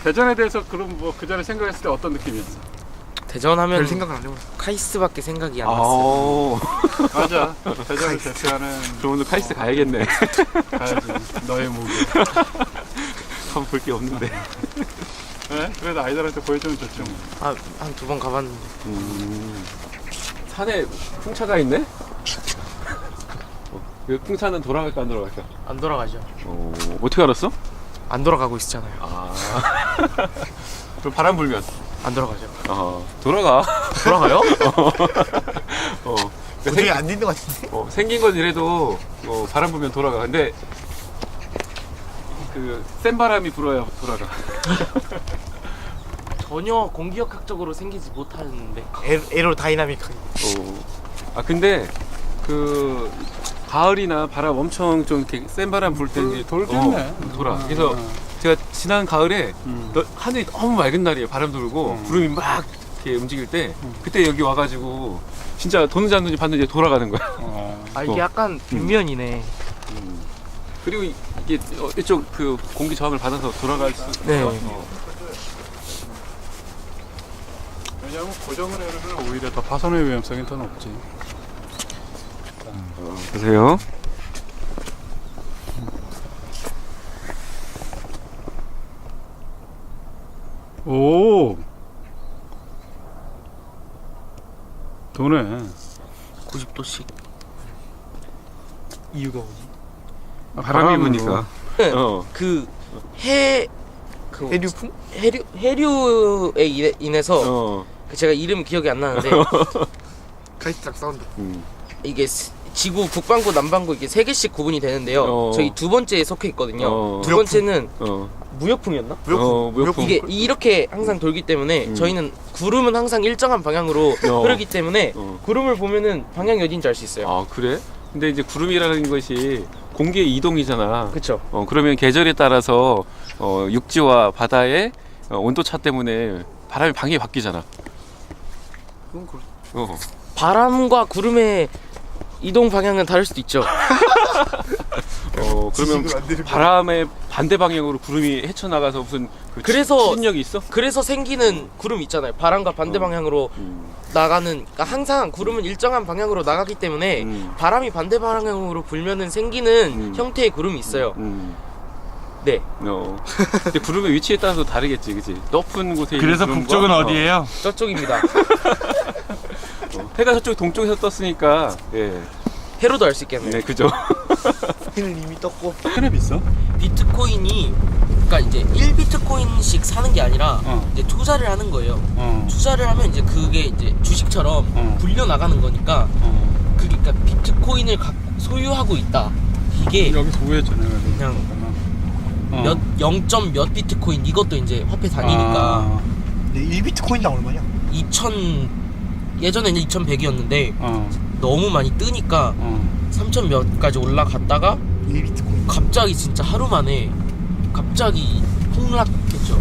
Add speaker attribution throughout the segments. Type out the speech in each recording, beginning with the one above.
Speaker 1: 대전에 대해서 그럼 뭐 그 전에 생각했을 때 어떤 느낌이었어?
Speaker 2: 대전 하면
Speaker 3: 별 생각을 안 해봤어.
Speaker 2: 카이스트밖에 생각이 안 났어요.
Speaker 1: 맞아. 대전을 대표하는.
Speaker 4: 그럼 오늘 카이스트 가야겠네.
Speaker 1: 가야지. 너의 무기.
Speaker 4: 한번 볼 게 없는데.
Speaker 1: 네? 그래도 아이들한테 보여주면 좋죠. 뭐.
Speaker 2: 한 두 번 가봤는데.
Speaker 4: 산에 풍차가 있네? 그 풍차는 돌아갈까 안 돌아갈까?
Speaker 2: 안 돌아가죠.
Speaker 4: 어떻게 알았어?
Speaker 2: 안 돌아가고 있잖아요.
Speaker 4: 그럼 바람 불면?
Speaker 2: 안 돌아가죠.
Speaker 4: 돌아가.
Speaker 2: 돌아가요?
Speaker 3: 도저히 안 되는 것 같은데?
Speaker 4: 생긴 건 이래도 바람 불면 돌아가. 근데 그 센 바람이 불어야 돌아가.
Speaker 2: 전혀 공기역학적으로 생기지 못하는데.
Speaker 3: 에로다이나믹하게.
Speaker 4: 근데 그 가을이나 바람 엄청 좀 이렇게 센 바람 불 때 이제
Speaker 1: 돌겠네.
Speaker 4: 돌아. 그래서 제가 지난 가을에 하늘이 너무 맑은 날이에요. 바람 돌고 구름이 막 이렇게 움직일 때 그때 여기 와가지고 진짜 도는지 안 도는지 봤는데 돌아가는 거야.
Speaker 2: 이게 약간 뒷면이네.
Speaker 4: 그리고 이게 이쪽 그 공기 저항을 받아서 돌아갈 수.
Speaker 2: 네.
Speaker 1: 왜냐면 고정을 해놓으면 오히려 더 파손의 위험성이 더 높지.
Speaker 4: 보세요.
Speaker 1: 오. 도네.
Speaker 2: 90도씩.
Speaker 3: 이유가 뭐지?
Speaker 4: 바람이 부니까.
Speaker 2: 그
Speaker 3: 해류풍?
Speaker 2: 해류에 인해서 그 제가 이름 기억이 안 나는데
Speaker 3: 카이스트랑 사운드.
Speaker 2: 이게 지구 북반구 남반구 이게 3개씩 구분이 되는데요. 저희 두 번째에 속해 있거든요. 두 번째는 무역풍이었나?
Speaker 3: 무역풍.
Speaker 2: 이게 이렇게 항상 돌기 때문에 저희는 구름은 항상 일정한 방향으로 흐르기 때문에 구름을 보면은 방향이 어딘지 알 수 있어요.
Speaker 4: 그래? 근데 이제 구름이라는 것이 공기의 이동이잖아.
Speaker 2: 그렇죠.
Speaker 4: 그러면 계절에 따라서 육지와 바다의 온도 차 때문에 바람의 방향이 바뀌잖아.
Speaker 1: 그건 그렇죠.
Speaker 2: 바람과 구름의 이동 방향은 다를 수도 있죠.
Speaker 4: 그러면 바람의 반대 방향으로 구름이 헤쳐나가서 무슨
Speaker 2: 그래서
Speaker 4: 추진력이 있어?
Speaker 2: 그래서 생기는 구름 있잖아요. 바람과 반대 방향으로 나가는, 그러니까 항상 구름은 일정한 방향으로 나가기 때문에 바람이 반대 방향으로 불면은 생기는 형태의 구름이 있어요. 네.
Speaker 4: 근데 구름의 위치에 따라서 다르겠지, 그치? 높은 곳에
Speaker 1: 그래서
Speaker 4: 있는
Speaker 1: 북쪽은
Speaker 4: 구름과,
Speaker 1: 어디예요?
Speaker 2: 저쪽입니다.
Speaker 4: 해가 저쪽 동쪽에서 떴으니까
Speaker 2: 해로도 알 수 있겠네요.
Speaker 4: 네, 그죠?
Speaker 3: 해는 이미 떴고.
Speaker 1: 해는 비싸?
Speaker 2: 비트코인이, 그러니까 이제 1비트코인씩 사는 게 아니라 이제 투자를 하는 거예요. 투자를 하면 이제 그게 이제 주식처럼 불려 나가는 거니까 그게, 그러니까 비트코인을 소유하고 있다. 이게
Speaker 1: 여기서 우회했잖아요.
Speaker 2: 그냥 0. 몇 비트코인, 이것도 이제 화폐 단위니까.
Speaker 3: 근데 1비트코인당 얼마냐?
Speaker 2: 예전에는 2100이었는데 너무 많이 뜨니까 3000 몇까지 올라갔다가
Speaker 3: 1비트코인.
Speaker 2: 갑자기 진짜 하루 만에 갑자기 폭락했죠.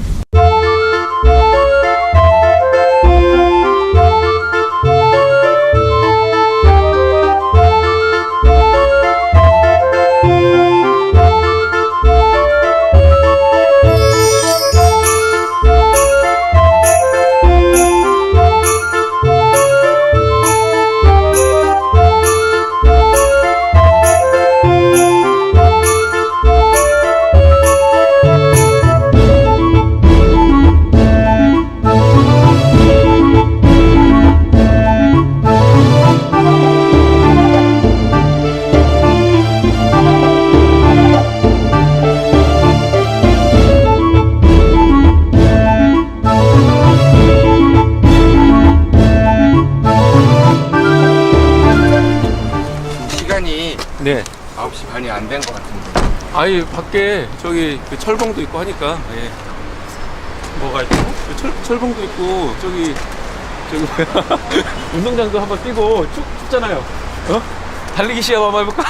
Speaker 4: 네.
Speaker 5: 9시 반이 안 된 것 같은데.
Speaker 4: 아니, 밖에 저기 그 철봉도 있고 하니까.
Speaker 1: 뭐가 있고?
Speaker 4: 철봉도 있고 저기 뭐야 운동장도 한번 뛰고 춥잖아요. 달리기 시합 한번 해볼까?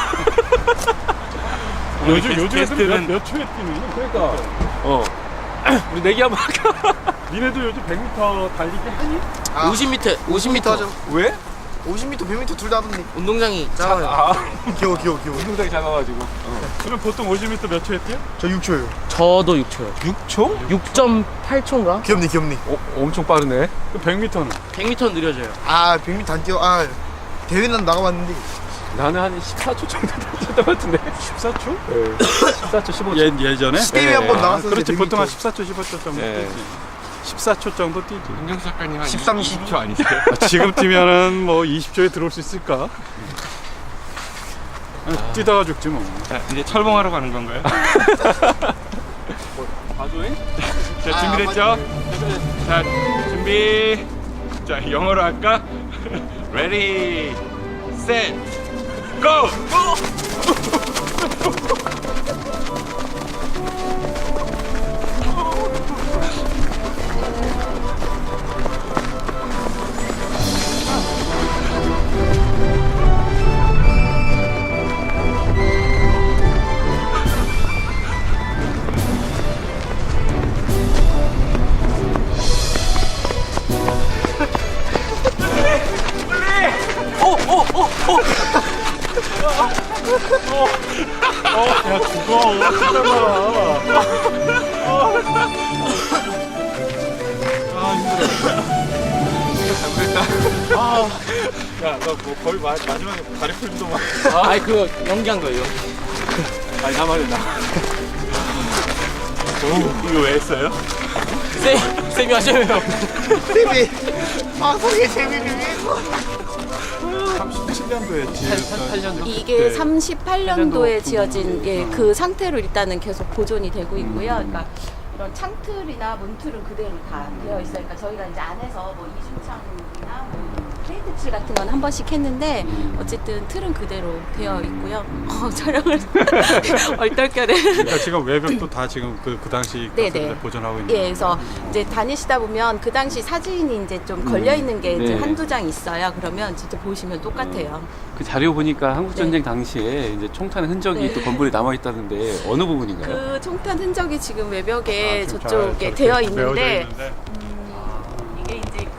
Speaker 1: 요즘 애들은 몇 초에 뛰니?
Speaker 4: 그러니까 우리 내기 한번 할까?
Speaker 1: 니네도 요즘 100m 달리기 하니?
Speaker 2: 50m
Speaker 3: 하죠.
Speaker 4: 왜?
Speaker 3: 50m, 100m 둘 다 하던데.
Speaker 2: 운동장이
Speaker 3: 작아요. 귀여워.
Speaker 4: 운동장이 작아가지고.
Speaker 1: 그럼 보통 50m 몇 초에 뛰어?
Speaker 3: 저 6초예요.
Speaker 2: 저도 6초요.
Speaker 4: 6초?
Speaker 2: 6.8초인가?
Speaker 3: 귀엽네.
Speaker 4: 엄청 빠르네.
Speaker 1: 그 100m는?
Speaker 2: 100m 느려져요.
Speaker 3: 아, 100m 안 뛰어. 아, 대회는 나가봤는데.
Speaker 4: 나는 한 14초 정도 됐던 것 같은데.
Speaker 1: 14초?
Speaker 4: 네. 14초, 15초.
Speaker 1: 예전에?
Speaker 3: 대회 한번
Speaker 4: 네.
Speaker 3: 나갔었는데.
Speaker 1: 그렇지
Speaker 3: 100m.
Speaker 1: 보통 한 14초 15초 정도
Speaker 4: 네.
Speaker 1: 뛰지 14초 정도 뛰지
Speaker 5: 윤정수 작가님 한
Speaker 3: 13,
Speaker 5: 20초 아니세요?
Speaker 1: 지금 뛰면은 뭐 20초에 들어올 수 있을까? 뛰다가 죽지 뭐.
Speaker 5: 자, 이제 철봉하러 가는 건가요?
Speaker 4: 봐줘잉?
Speaker 5: 자, 준비됐죠? 자, 준비. 자, 영어로 할까? Ready, set, go!
Speaker 1: 야 죽어 야너 뭐 거의 마지막에 다리 풀리더만.
Speaker 2: 아니 그거 연기한 거예요.
Speaker 1: 아니 나 말이야 나.
Speaker 5: 이거 왜 했어요?
Speaker 2: 쌤이 하셔요.
Speaker 3: 세미. 방송의 재미를 위해서.
Speaker 1: 37년도 했지.
Speaker 2: 8년도.
Speaker 6: 이게
Speaker 1: 네.
Speaker 6: 38년도에
Speaker 1: 8년도
Speaker 6: 지어진
Speaker 1: 부분이.
Speaker 6: 그 상태로 일단은 계속 보존이 되고 있고요. 그러니까 이런 창틀이나 문틀은 그대로 다 되어 있어요. 그러니까 저희가 이제 안에서 뭐 이중창이나 뭐 페인트칠 같은 건 한 번씩 했는데 어쨌든 틀은 그대로 되어 있고요. 촬영을 얼떨결에.
Speaker 1: 그러니까 지금 외벽도 다 지금 그 당시
Speaker 6: 네네.
Speaker 1: 보존하고 있는.
Speaker 6: 예, 그래서 이제 다니시다 보면 그 당시 사진이 이제 좀 걸려 있는 게 이제
Speaker 4: 네.
Speaker 6: 한두 장 있어요. 그러면 진짜 보시면 똑같아요.
Speaker 4: 그 자료 보니까 한국전쟁 당시에 이제 총탄 흔적이
Speaker 6: 네.
Speaker 4: 또 건물에 남아있다는데 어느 부분인가요?
Speaker 6: 그 총탄 흔적이 지금 외벽에
Speaker 1: 지금
Speaker 6: 저쪽에
Speaker 1: 잘
Speaker 6: 되어
Speaker 1: 메워져
Speaker 6: 있는데 이게 이제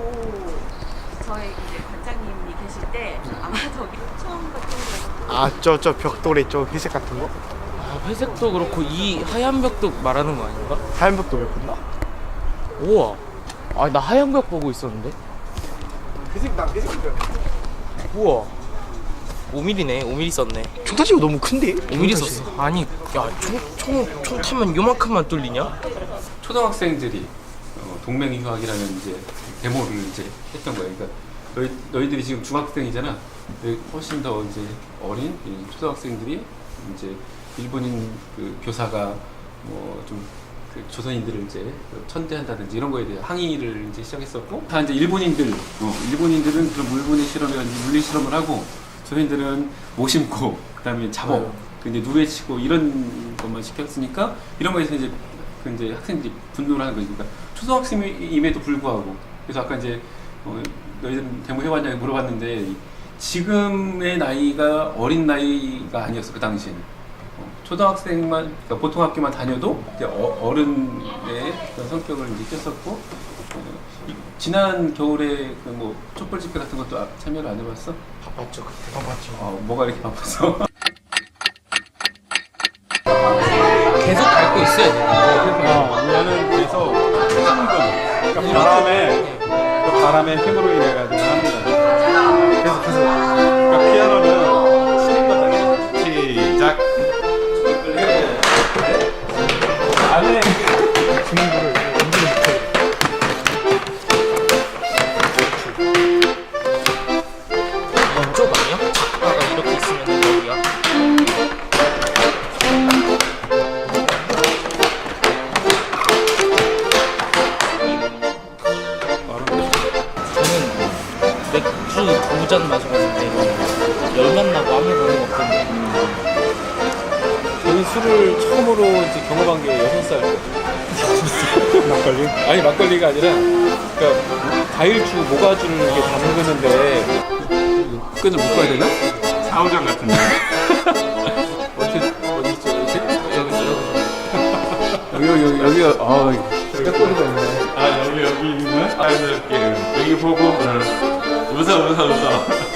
Speaker 6: 저희 이제 관장님이 계실 때 아마 저기 처음 같은 거
Speaker 3: 아, 저 벽돌에 저 회색 같은 거?
Speaker 2: 아, 회색도 그렇고 이 하얀 벽도 말하는 거 아닌가?
Speaker 3: 하얀 벽돌 왜 본다?
Speaker 2: 우와. 아 나 하얀 벽 보고 있었는데.
Speaker 3: 회색 벽.
Speaker 2: 우와. 5mm네. 5mm 썼네.
Speaker 3: 총타지가 너무 큰데?
Speaker 2: 5mm 썼어. 아니 야 총 타면 요만큼만 뚫리냐?
Speaker 4: 초등학생들이 동맹유학이라는 이제 데모를 이제 했던 거예요. 그러니까 너희들이 지금 중학생이잖아. 훨씬 더 이제 어린 이 초등학생들이 이제 일본인 그 교사가 뭐 좀 그 조선인들을 이제 천대한다든지 이런 거에 대해 항의를 이제 시작했었고, 다 이제 일본인들은 그런 물분의 실험이라든지 물리 실험을 하고, 조선인들은 모심고 그다음에 잡어, 이제 누에치고 이런 것만 시켰으니까 이런 거에서 이제 그 이제 학생들이 분노를 하는 거니까 초등학생임에도 불구하고. 그래서 아까 이제 너희들은 데모 해봤냐 물어봤는데 지금의 나이가 어린 나이가 아니었어. 그 당시에는 초등학생만, 그러니까 보통 학교만 다녀도 이제 어른의 그런 성격을 이제 띄었었고, 지난 겨울에 그 뭐 촛불 집회 같은 것도 참여를 안 해봤어?
Speaker 3: 바빴죠 그때. 바빴죠.
Speaker 4: 뭐가 이렇게 바빠서?
Speaker 2: 계속 밟고 있어야 돼.
Speaker 1: 얘는 그래서 힘금. 그러니까 바람의 힘으로 인해가지고 하는 거야.
Speaker 3: 계속.
Speaker 1: 그러니까 피아노는 치는 거잖아.
Speaker 5: 시작.
Speaker 1: 안에
Speaker 3: 주문부를 움직이는 못해.
Speaker 2: 왼쪽 아니야? 작가가 이렇게 있으면 여기야. 저는 맥주 2잔 마셔봤는데 열만 나고 아무 반응 없던데.
Speaker 4: 저는 술을 처음으로 이제 경험한 게 6살 때.
Speaker 1: 막걸리.
Speaker 4: 아니 막걸리가 아니라, 그러니까 과일주, 모가주를 이렇게 담그는데 끈을 묶어야 되나?
Speaker 5: 사우정 같은데.
Speaker 4: 어디 있죠? 여기가
Speaker 3: 백골이가 있네.
Speaker 1: 아 여기 있는?
Speaker 5: 자연스럽게 여기 보고 웃어.